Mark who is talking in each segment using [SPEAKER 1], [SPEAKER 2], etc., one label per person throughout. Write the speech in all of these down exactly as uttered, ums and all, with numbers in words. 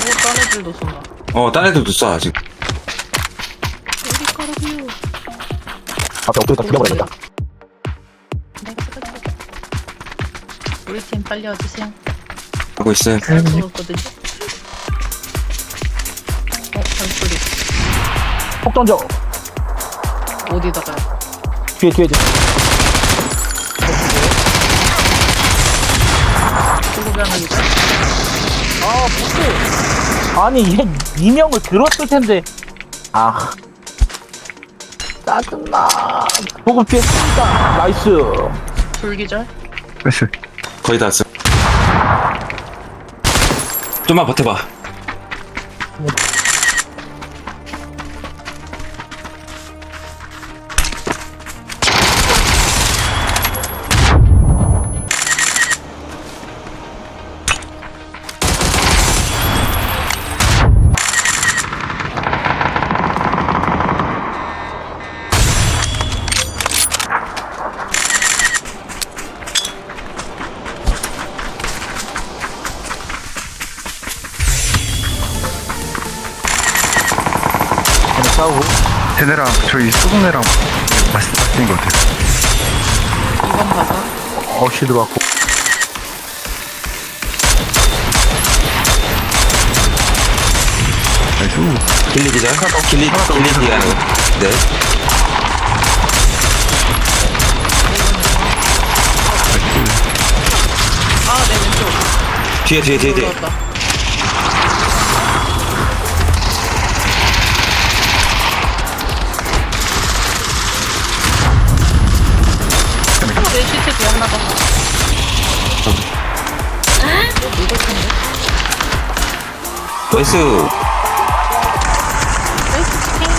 [SPEAKER 1] 딴 애들도 쏜다.
[SPEAKER 2] 어, 딴 애들도 쏴, 아직.
[SPEAKER 1] 어디 가라고요?
[SPEAKER 3] 앞에 엎드렸다 죽여버려야겠다.
[SPEAKER 1] 내가 쏟아줄게. 우리 팀 빨리 와주세요.
[SPEAKER 2] 하고 있어요.
[SPEAKER 1] 잘 먹었거든요. 어, 발소리.
[SPEAKER 3] 폭 던져.
[SPEAKER 1] 어디다가요?
[SPEAKER 3] 뒤에 뒤에 뒤에.
[SPEAKER 1] 소고기 하나 주자.
[SPEAKER 3] 아 보스. 아니 얘 이명을 들었을 텐데. 아 짜증나. 보급 피했습니다. 나이스.
[SPEAKER 1] 불기절?
[SPEAKER 4] 나이스.
[SPEAKER 2] 거의 다 왔어. 좀만 버텨봐.
[SPEAKER 3] 싸우고.
[SPEAKER 4] 쟤네랑 저희 수동네랑 맛있, 맛있는 것 같아요.
[SPEAKER 1] 이번 봐봐.
[SPEAKER 3] 어시 들어왔고.
[SPEAKER 4] 나이스.
[SPEAKER 2] 길리 기자? 길리, 길리 기자. 네.
[SPEAKER 1] 아, 내 왼쪽.
[SPEAKER 2] 뒤에, 뒤에, 뒤에, 뒤에.
[SPEAKER 1] 올라왔다. 어, 내 시체 뒤에 하나 더. 어, 누굴 텐데?
[SPEAKER 2] 나이스.
[SPEAKER 1] 나이스 치킨.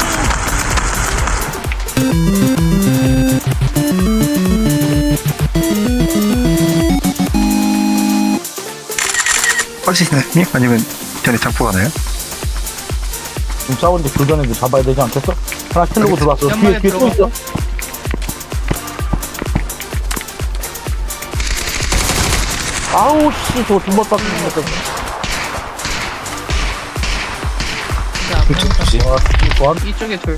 [SPEAKER 4] 빠지시나요? 아니면 전에 장포 가나요?
[SPEAKER 3] 지금 싸우는데 교전에도 잡아야 되지 않겠어? 하나 킬르고 들어왔어. 뒤에
[SPEAKER 1] 연막에
[SPEAKER 3] 뒤에 또 있어.
[SPEAKER 1] 들어갔어.
[SPEAKER 3] 아우 씨 저거 두번 땄는 것 때문에.
[SPEAKER 2] 혹시?
[SPEAKER 3] 와 좋아.
[SPEAKER 1] 이쪽에 둘.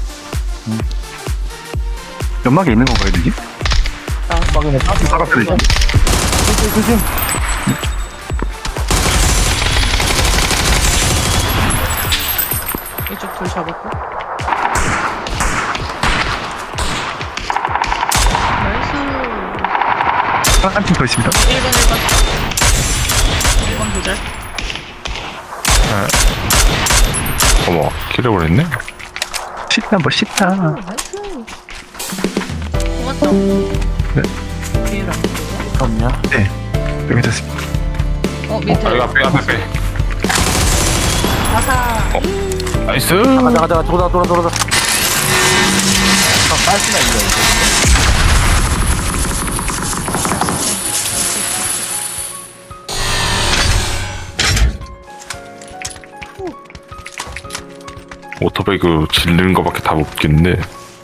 [SPEAKER 4] 연막에 있는 건가요, 여기?
[SPEAKER 3] 막이네.
[SPEAKER 4] 떨어뜨리지.
[SPEAKER 3] 조심 조심.
[SPEAKER 1] 이쪽 둘 잡았고. 나이스.
[SPEAKER 4] 한 팀 더 있습니다.
[SPEAKER 1] 일 번 일 번. 일 번 도잘.
[SPEAKER 5] 어머, 킬을 했네?
[SPEAKER 4] 쉽다, 뭐 쉽다.
[SPEAKER 1] 나이스. 고맙다.
[SPEAKER 4] 네.
[SPEAKER 1] 뒤에랑.
[SPEAKER 3] 없냐?
[SPEAKER 4] 네. 여기 됐습니다.
[SPEAKER 1] 어, 밑에.
[SPEAKER 5] 아, 이거 앞에, 앞에, 앞에.
[SPEAKER 1] 가사.
[SPEAKER 5] 나이스!
[SPEAKER 3] 가자 가자 돌아 돌아 돌아. 아 깔끔해 이거.
[SPEAKER 5] 오토바이그 질르는 거밖에 답 없겠네.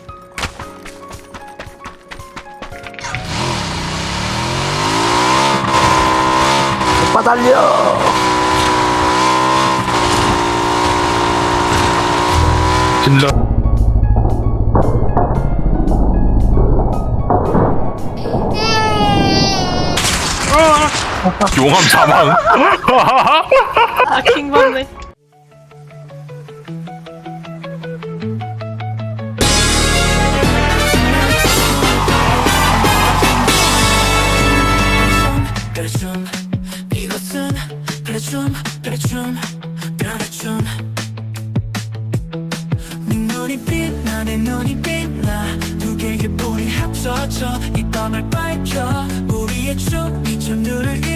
[SPEAKER 3] 오빠 달려.
[SPEAKER 5] 질러. 용암 사망.
[SPEAKER 1] 아, 킹받네.
[SPEAKER 6] 그래줌 이것은 그래줌 그래줌 그래줌 네 눈이 빛나 내 눈이 빛나 두 개의 불이 합쳐져 이 밤을 밝혀 우리의 춤이 저 눈을